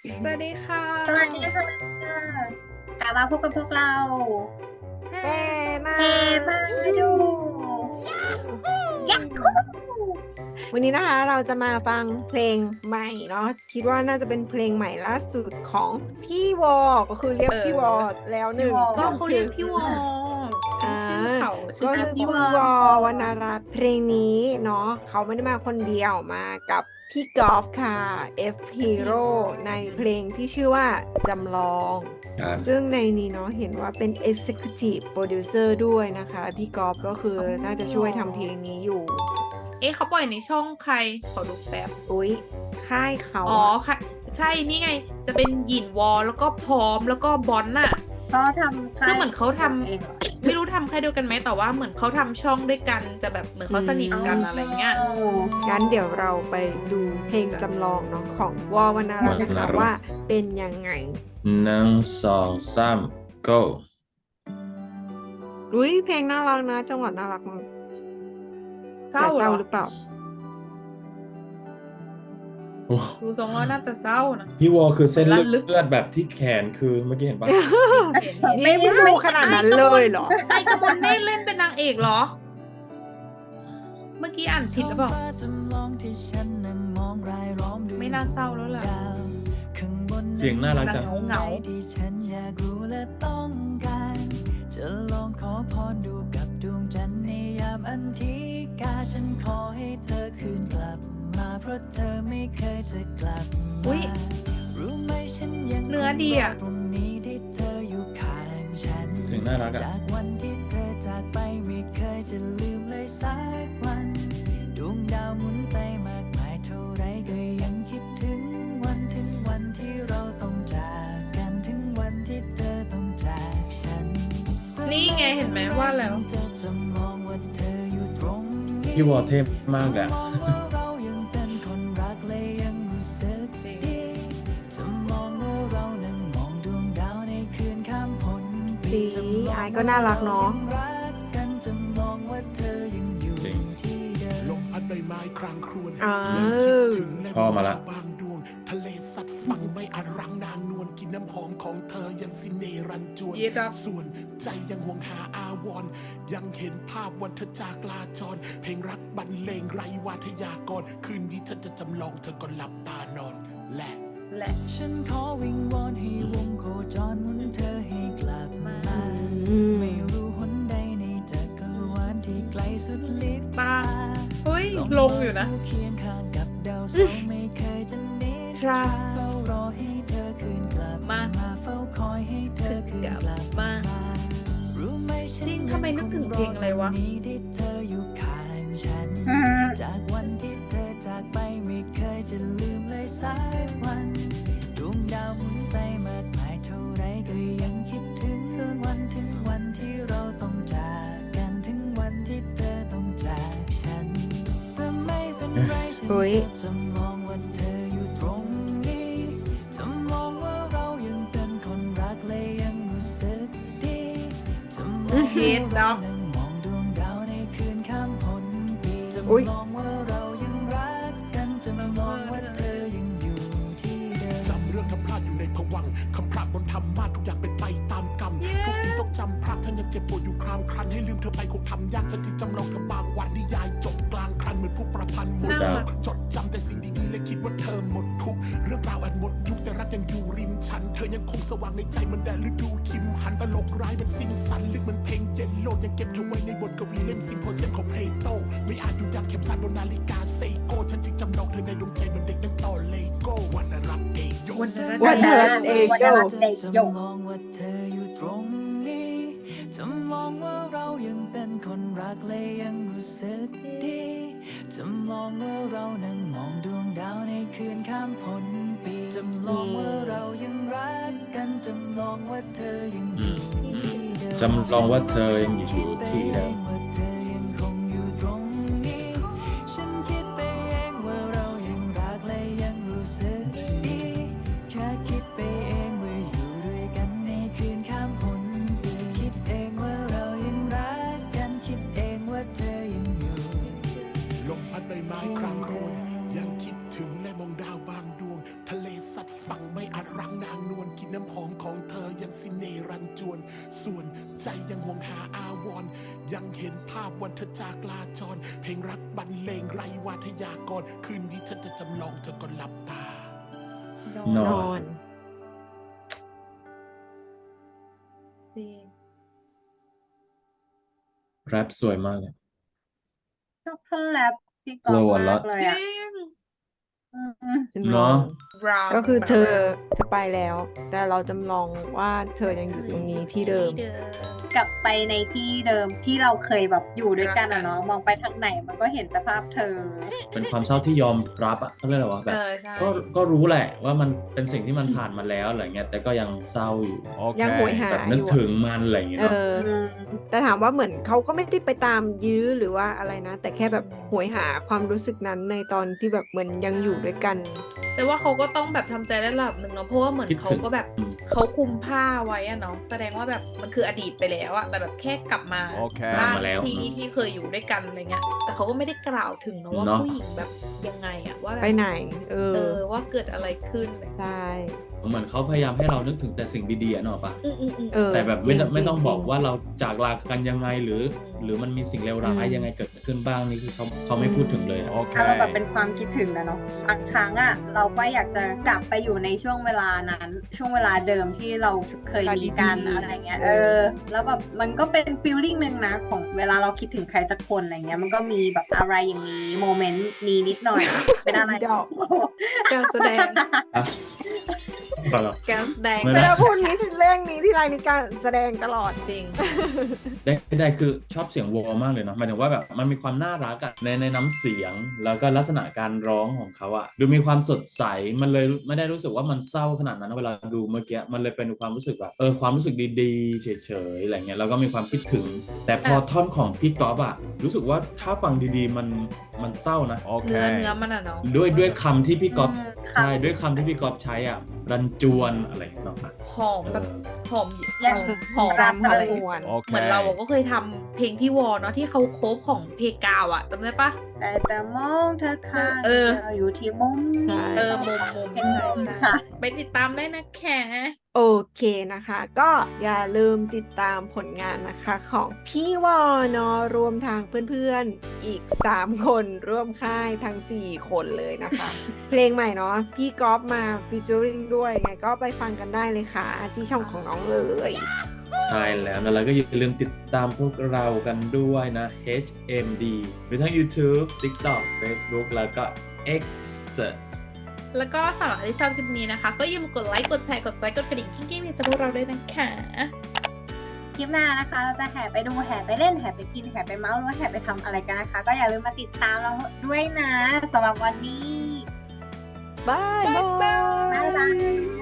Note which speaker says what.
Speaker 1: สวัสดีค่ะ
Speaker 2: สวัสดีค่ะกลับมาพบกับพวกเรา
Speaker 1: เฮ้มา
Speaker 2: เฮมาดูยักษ์คู่
Speaker 1: วันนี้นะคะเราจะมาฟังเพลงใหม่เนาะคิดว่าน่าจะเป็นเพลงใหม่ล่าสุดของพี่วอก็คือเรียกพี่วอแล้วหนึ่ง
Speaker 2: ก็
Speaker 1: ก็คือ
Speaker 2: เขาเรียกพี่วอ
Speaker 1: อ่า
Speaker 2: ชื่อเขาชื่
Speaker 1: ก็
Speaker 2: อ
Speaker 1: คือ
Speaker 2: พี่วอ
Speaker 1: พี่วอวรรณรัตน์เพลงนี้เนาะเขาไม่ได้มาคนเดียวมากับพี่กอล์ฟค่ะ F Hero ในเพลงที่ชื่อว่าจำลอง
Speaker 3: ครับ
Speaker 1: ซึ่งในนี้เนาะเห็นว่าเป็น Executive Producer ด้วยนะคะพี่กอล์ฟก็คือน่าจะช่วยทำเพลงนี้อยู่
Speaker 4: เขาปล่อยในช่องใครขอดูแป๊บ
Speaker 1: อุ๊ยค่ายเขา
Speaker 4: อ๋อค่ะใช่นี่ไงจะเป็นหยินวอลแล้วก็พร้อมแล้วก็บอนน่ะ
Speaker 2: เขาทำ
Speaker 4: คือเหมือนเขาทำ
Speaker 2: เองเหรอ
Speaker 4: ไม่รู้ทำใครเดียวกันไหมแต่ว่าเหมือนเขาทำช่องด้วยกันจะแบบเหมือนเขาสนิทกันอะไรเงี้ย
Speaker 1: งั้นเดี๋ยวเราไปดูเพลงจำลองเนาะของวอวรรณรัตน์นะคะว่าเป็นยังไง
Speaker 3: 1 2 3 go
Speaker 1: อุ๊ยเพลงน่ารักนะจังหวะน่ารักมาก
Speaker 4: เศร้า
Speaker 1: แต่
Speaker 4: เหรอ
Speaker 1: หรือเปล่า
Speaker 3: โอ้
Speaker 4: ดูทรงแล้วน่าจะเศร้านะ
Speaker 3: พี่วอคือเส้น
Speaker 4: ลั่นลึก
Speaker 3: เลือดแบบที่แขนคือเมื่อกี้เห็นปะ
Speaker 4: เห็น
Speaker 1: นี่ไม่รู้ขนาดนั้นเลยเหรอ
Speaker 4: ไอกมลเนตรเล่นเป็นนางเอกเหรอ เมื่อกี้อ่านผิดหรือเปล่าไม่น่าเศร้าแล้วแหละ
Speaker 3: เสียงน่ารัก
Speaker 4: จะ
Speaker 3: จัง
Speaker 4: เหงา
Speaker 5: จะลองขอพรดูกับดวงจันทร์ในยามอันธิกาฉันขอให้เธอคืนกลับมาเพราะเธอไม่เคยจะกลับ
Speaker 4: อุ๊
Speaker 5: มาย รู้ไหมฉันยัง
Speaker 4: เนื้อดีอะ
Speaker 5: ตรงนี้ที่เธออยู่ข้างฉัน
Speaker 3: เสียงน่ารักอ่ะ
Speaker 5: จากวันที่เธอจากไปไม่เคยจะลืมเลยสักวันดวงดาวหมุนไปมากมายเท่าไรก็ยังคิดถึงวันที่เราต้องจากกันถึงวันที่เธอต้องจากฉัน
Speaker 4: นี่ไงเห็นไหมว่าแล้ว
Speaker 5: จะจำลองว่าเธออยู่ตรงนี้
Speaker 3: พี่วอเทพมากอ่ะ
Speaker 5: จำลองว่าเรายังเป็นคนรักและยังรู้สึกดีจำลองว่าเรานั่งมองดวงดาวในคืนข้ามพ้นปี
Speaker 1: ดี
Speaker 5: จำลอง
Speaker 1: อายก็น่ารักเนาะ
Speaker 5: ว่าเรายังรักกันจำลองว่าเธอยังอยู่
Speaker 3: จริง
Speaker 5: ที่เดิม
Speaker 6: ลมพัดใบไม้ครางครวญ
Speaker 1: อ่า
Speaker 6: ยังคิดถึงและ
Speaker 3: พ่อมาละ
Speaker 6: บางดวง ทะเลสัตว์ฝั่งไม่อาจรังนางนวลกินน้ำหอมของเธอยังสิเนรันจวน
Speaker 4: เย็ดอะ
Speaker 6: ส่วนใจยังห่วงหาอาวรณ์ยังเห็นภาพวันเธอจากลาจร เพลงรักบรรเลงไรวาทยากร คืนนี้ฉันจะจำลองเธอก็หลับตานอน และ
Speaker 4: แหละ
Speaker 5: ฉันขอวิงวอนให้วงโคจรหมุนเธอให้กลับมา
Speaker 1: อืม
Speaker 5: ไม่รู้หนใดในจักรวาลที่ไกลสุดลิบ
Speaker 4: ตาเฮ้ยลงอยู่นะ
Speaker 5: เคียงข้างกับดาวเสาร์ไม่เคยจะหนี
Speaker 4: ทรา
Speaker 5: เฝ้ารอให้เธอคืนกลับ
Speaker 4: มา
Speaker 5: เฝ้าคอยให้เธอคืนกลับ
Speaker 4: มา
Speaker 5: รู้ไหมฉัน
Speaker 4: จริงทำไมนึกถึงเพลงอะไรวะ
Speaker 5: ยังคงรอตรงนี้ที่เธออยู่ข้างฉัน จากวันที่เธอจากไปไม่เคยจะลืมเลยสักวันดวงดาวหมุนไปมากมายเท่าไรก็ยังคิดถึงวันที่เราต้องจากกันถึงวันที่เธอต้องจากฉันแต่ไม่เป็นไรฉัน
Speaker 1: อุ๊ย
Speaker 5: จะจำลองว่าเธออยู่ตรงนี้จำลองว่าเรายังเป็นคนรักและยังรู้สึกดีจำลอง
Speaker 4: เย็ด
Speaker 5: ว่า
Speaker 4: ดอก
Speaker 5: เรานั่งมองดวงดาวในคืนข้ามพ้นปี
Speaker 1: อุ๊ย
Speaker 5: จำลองว่าเรายังรักกันจำลองว่าเธอยังอยู่ที่เดิม
Speaker 6: จำเรื่องทำพลาดอยู่ในภวังค์คำพระบนธรรมาทุกอย่างเป็นไปตามกรรม ทุกสิ่งต้องจำพระท่านยังเจ็บปวดอยู่ครามครันให้ลืมเธอไปคงทำยากฉันจึงจำลองเธอบางวันนิยายจบกลางครันเหมือนผู้ประพันธ์หมด
Speaker 4: น่ารั
Speaker 6: ยุ
Speaker 4: ก
Speaker 6: คจดจำแต่สิ่งดีๆและคิดว่าเธอหมดทุกเรื่องราวอันหมดยุคแต่รักยังอยู่ริมฉัน เธอยังคงสว่างในใจเหมันแดดฤดูคิมหันตลกร้ายมันสิ้นสันลึกเหมันเพลงเย็นโลดยังเก็บเธอไว้ในบทกวีเล่มซิมโพเซียมของเพลโตไม่อาจอยู่ยันเข็มสานบนนาฬิกาเซโกฉันจึงจำลองเธอในดวงใจเหมันเด็กนั่งต่อเลโก้วันรักเอโย
Speaker 4: วันนั้น
Speaker 1: วันนั้น เอโย
Speaker 5: จำลองว่าเธออยู่ตรงนี้จำลองว่าเรายังเป็นคนรักและยังรู้สึกดีจำลองว่าเรานั่งมองดวงดาวในคืนข้ามพ้นปีจำลองว่าเรายังรักกันจำลองว่าเธอยังอยู่ที่เดิม
Speaker 3: จำลองว่าเธอยังอยู่ที่เดิม
Speaker 5: ว่าเธอยังคงอยู่ตรงนี้ฉันคิดไปเองว่าเรายังรักและยังรู้สึกดีแค่คิดไปเองว่าอยู่ด้วยกันในคืนข้ามพ้นปีคิดเองว่าเรายังรักกันคิดเองว่าเธอยังอยู่
Speaker 6: ลมพัดใบไม้ครางโครนยังคิดถึงและมองดาวบางดวง ทะเลสัตว์สัตว์ฝั่งไม่อาจรังนางนวลกินน้ำหอมของเธอยังสิเนรันจวน ส่วนใจยังห่วงหาอาวรณ์ยังเห็นภาพวันเธอจากลาจร เพลงรักบรรเลงไรวาทยากร คืนนี้ฉันจะจำลองจนก่อนหลับตา
Speaker 3: น
Speaker 1: น
Speaker 3: อ
Speaker 1: อน น
Speaker 4: จริง
Speaker 3: แรปสวยมากเลย
Speaker 2: ชอบท่อนแรปพี่กอล์ฟ
Speaker 3: Flow a
Speaker 2: มา
Speaker 3: lot
Speaker 2: กเลย
Speaker 4: จ
Speaker 2: อ่ะ
Speaker 4: ริง
Speaker 2: อืม
Speaker 1: จำล
Speaker 3: เน
Speaker 1: อ
Speaker 3: อะ
Speaker 1: ง
Speaker 4: brown
Speaker 1: ก็คือเธอไปแล้ว แต่เราจำลองว่าเธอยังอยู่ตรงนี้ที่เดิม
Speaker 2: กลับไปในที่เดิมที่เราเคยแบบอยู่ด้วยกันอะเนาะมองไปทางไหนมันก็เห็นแต่ภาพเธอ
Speaker 3: เป็นความเศร้าที่ยอมรับอะเขาเรียกอะไรวะแบบ
Speaker 4: ใช่
Speaker 3: ก็รู้แหละว่ามันเป็นสิ่งที่มันผ่านมาแล้วอะไรเงี้ยแต่ก็ยังเศร้าอยู่
Speaker 1: ยังโหยหา
Speaker 3: แบบ
Speaker 1: อ
Speaker 3: นึก
Speaker 1: ยู่
Speaker 3: ถึ
Speaker 1: อะ
Speaker 3: งมันอะไรเงี้ย
Speaker 1: เอ
Speaker 3: เนาะ
Speaker 1: อ แต่ถามว่าเหมือนเขาก็ไม่ได้ไปตามยื้อหรือว่าอะไรนะ แต่แค่แบบโหยหาความรู้สึกนั้นในตอนที่แบบเหมือนยังอยู่ด้วยกัน
Speaker 4: ใช่ว่าเขาก็ต้องแบบทำใจได้ระดับหนึ่งเนาะเพราะว่าเหมือน
Speaker 3: คิด
Speaker 4: เขา
Speaker 3: ถึง
Speaker 4: ก็แบบเขาคุมผ้าไว้อะเนาะแสดงว่าแบบมันคืออดีตไปแล้วอะแต่แบบแค่กลับมา
Speaker 7: โอเค
Speaker 4: บ้าน
Speaker 3: มาแล้ว
Speaker 4: ที่นี่ที่เคยอยู่ด้วยกันอะไรเงี้ยแต่เขาก็ไม่ได้กล่าวถึงเนาะว่า
Speaker 3: เนาะ
Speaker 4: ผู้หญิงแบบยังไงอะว่าแบบ
Speaker 1: ไปไหน เออ
Speaker 4: ว่าเกิดอะไรขึ้น
Speaker 1: ใช่
Speaker 3: เหมือนเขาพยายามให้เรานึกถึงแต่สิ่งดีๆอะเนาะปะ
Speaker 1: เออ
Speaker 3: แต่แบบ
Speaker 1: จริ
Speaker 3: ไม่ต้อง
Speaker 1: จริ
Speaker 3: บอกว่าเราจากลากันยังไงหรือมันมีสิ่งเลวร้ายยังไงเกิดขึ้นบ้างนี่คือเขาไม่พูดถึงเลยอะ
Speaker 7: โอเค
Speaker 2: อารมณ์แบบเป็นความคิดถึงนะเนาะบางครั้งอะเราก็อยากจะกลับไปอยู่ในช่วงเวลานั้น ช่วงเวลาเดิมที่เราเคยมีกันอะไรเงี้ยแล้วแบบมันก็เป็นฟีลลิ่งหนึ่งนะของเวลาเราคิดถึงใครสักคนอะไรเงี้ยมันก็มีแบบอะไรอย่างนี้โมเมนต์นี้นิดหน่อย เป็นอะไร
Speaker 1: ดอก
Speaker 4: การแสดง
Speaker 3: อะเปล่าหรอ
Speaker 4: การแสดง
Speaker 3: ไม่
Speaker 1: เว
Speaker 3: ได้
Speaker 1: ลาพูดนี้ถึงเรื่องนี้ที่ไรมีการแสดงตลอด
Speaker 4: จริง
Speaker 3: ได้คือชอบเสียงวอลมากเลยเนาะหมายถึงว่าแบบมันมีความน่ารักอะในน้ำเสียงแล้วก็ลักษณะการร้องของเขาอะดูมีความสดใสมันเลยไม่ได้รู้สึกว่ามันเศร้าขนาดนั้นนะเวลาดูเมื่อกี้มันเลยเป็นความรู้สึกแบบความรู้สึกดีๆเฉยๆอะไรเงี้ยแล้วก็มีความคิดถึง แต่พอท่อนของพี่ก๊อฟอะรู้สึกว่าถ้าฟังดีๆมันเศร้านะ
Speaker 7: โอเค
Speaker 4: เนื้อมันอะเนาะ
Speaker 3: ด้วยคำที่พี่ก๊อฟ
Speaker 2: ค่ะ
Speaker 3: ใช่ด้วยคำที่พี่ก๊อฟใช้อ่ะรันจวนอะไรเนาะ
Speaker 4: หอมแบบหอม
Speaker 2: ยัง
Speaker 4: หอม
Speaker 1: รำ
Speaker 4: อะไร
Speaker 1: หวน
Speaker 7: โอเค
Speaker 4: เหมือนเราก็เคยทำเพลงพี่วอเนาะที่เขาโคฟของเพกาวอะจำได้ปะ
Speaker 2: ได้แต่มองเธอค่ะ
Speaker 4: เออ
Speaker 2: ธอยู่ที่มุม
Speaker 1: ใช่
Speaker 2: นี้
Speaker 4: มุม
Speaker 2: เห็น
Speaker 4: ใช่
Speaker 2: มุม
Speaker 4: ใช่
Speaker 2: ค่ะ
Speaker 4: ไปติดตามได้นะแค่
Speaker 1: โอเคนะคะ ก็อย่าลืมติดตามผลงานนะคะของพี่วอเนาะรวมทางเพื่อนๆอีก 3 คนร่วมค่ายทั้ง 4 คนเลยนะคะ เพลงใหม่เนาะพี่ก๊อฟมาฟีเจอริงด้วยไงก็ไปฟังกันได้เลยค่ะ ที่ช่องของน้องเลย
Speaker 3: ใช่แล้วนะแล้วก็อย่าลืมติดตามพวกเรากันด้วยนะ HMD หรือทั้ง YouTube TikTok Facebook แล้วก็ X
Speaker 4: แล้วก็สำหรับที่ชอบคลิปนี้นะคะ ก็อย่าลืมกดไลค์กดแชร์กด subscribe กดกระดิ่งที่กิ๊กจะพวกเราด้วยนะคะ
Speaker 2: คลิปหน้านะคะ เราจะแห่ไปดูแห่ไปเล่นแห่ไปกินแห่ไปเมาส์หรือว่าแห่ไปทำอะไรกันนะคะ ก็อย่าลืมมาติดตามเราด้วยนะสำหรับวันนี้
Speaker 1: บายบาย
Speaker 2: บ๊ายบาย